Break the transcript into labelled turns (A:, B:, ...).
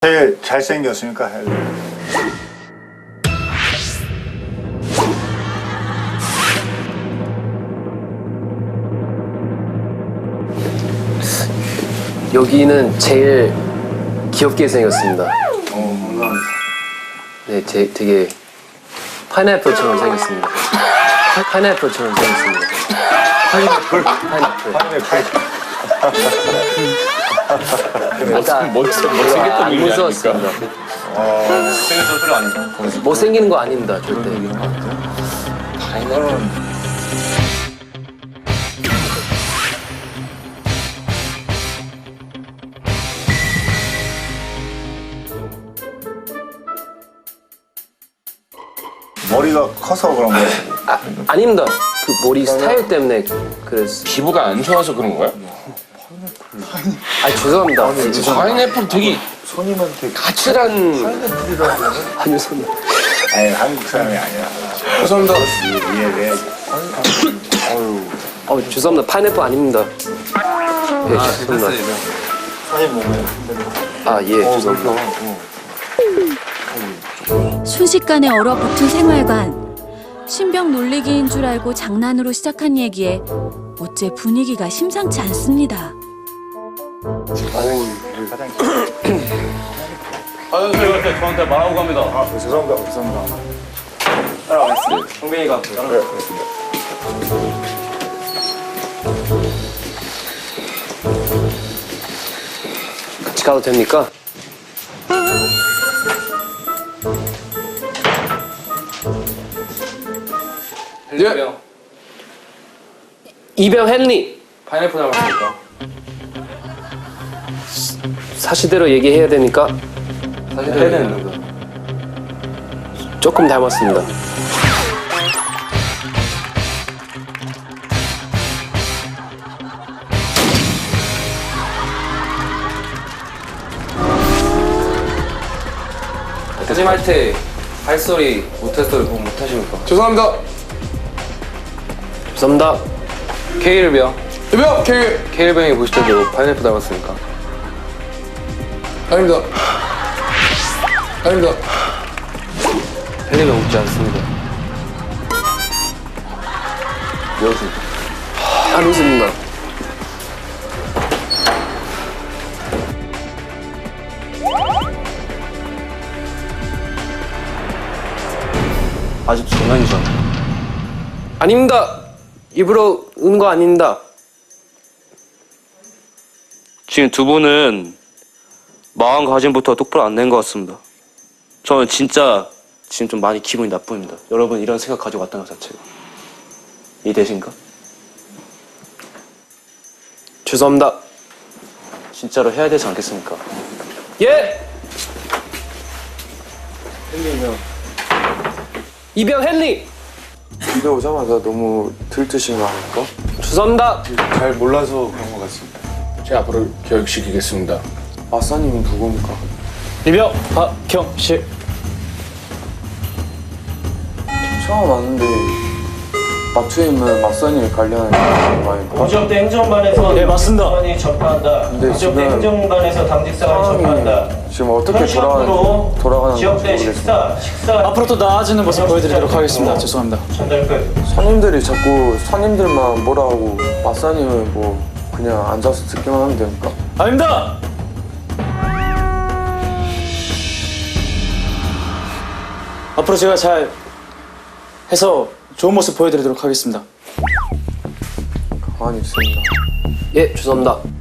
A: 제일 잘생겼으니까 헬.
B: 여기는 제일 귀엽게 생겼습니다.
A: 감사합니다.
B: 네, 되게 파인애플처럼 생겼습니다. 파인애플처럼 생겼습니다. 파인애플.
C: 못생겼던
B: 안
C: 의미
B: 무서웠습니다.
C: 못생겼던 소리 아닌가?
B: 못생기는 거 아닙니다, 절대.
A: 머리가 커서 그런 거예요.
B: 아닙니다. 그 머리 스타일 때문에 그랬어.
C: 피부가 안 좋아서 그런 거야?
B: 죄송합니다.
C: 파인애플 되게
A: 손님한테
C: 까칠한.
B: 아니요, 손.
A: 아니 한국 사람이 아니야.
C: 죄송합니다.
A: 이해해야지.
B: 죄송합니다. 파인애플 아닙니다. 예, 죄송합니다.
A: 손님 몸에
B: 예, 죄송합니다.
D: 순식간에 얼어붙은 생활관. 신병 놀리기인 줄 알고 장난으로 시작한 얘기에 어째 분위기가 심상치 않습니다.
C: 저희가 저한테 말하고 갑니다.
A: 죄송합니다.
C: 성빈이가
B: 같이 가도 됩니까?
C: 예.
B: 이병 헨리.
C: 파인애플 닮았습니까?
B: 사실대로 얘기해야 되니까
C: 사실은
B: 조금 닮았습니다.
C: 거짓말 때 발소리, 모텔 소리 보면 못하십니까? 죄송합니다.
B: 죄송합니다.
C: K일병. 이병 K일병이 보실 때도 파인애플 닮았습니까? 아닙니다. 헬리가 웃지 않습니다. 왜 웃습니까?
B: 안 웃습니다.
C: 아직 장난이잖아.
B: 아닙니다. 일부러 은 거 아닙니다.
E: 지금 두 분은 마음가짐부터 똑바로 안 낸 것 같습니다. 저는 진짜 지금 좀 많이 기분이 나쁩니다. 여러분 이런 생각 가지고 왔다는 것 자체가. 이해되신가?
B: 죄송합니다.
E: 진짜로 해야 되지 않겠습니까?
B: 예! 이병 헨리.
F: 집에 오자마자 너무 들뜨신 거 아닐까?
B: 죄송합니다.
F: 잘 몰라서 그런 것 같습니다.
C: 제가 앞으로 교육시키겠습니다.
F: 마사님은 누굽니까?
B: 이병 박경실.
F: 처음 왔는데 마트에 있는 마사님이 관리하는 거 아닌가?
G: 공지역대 행정반에서
B: 네, 맞습니다.
G: 당직사관이 접근한다.
F: 근데
G: 공지역대
F: 지금
G: 행정반에서 당직사관이 접근한다.
F: 상황이 지금 어떻게
G: 현시간으로
F: 돌아가는지
G: 지역대
F: 모르겠습니다.
G: 식사
H: 앞으로 또 나아지는 모습 보여드리도록 하겠습니다. 죄송합니다.
G: 전달 끝.
F: 손님들이 자꾸 손님들만 뭐라 하고 마사님은 뭐 그냥 앉아서 듣기만 하면 됩니까?
H: 아닙니다. 앞으로 제가 잘 해서 좋은 모습 보여드리도록 하겠습니다.
F: 가만히 있습니다.
B: 예, 죄송합니다.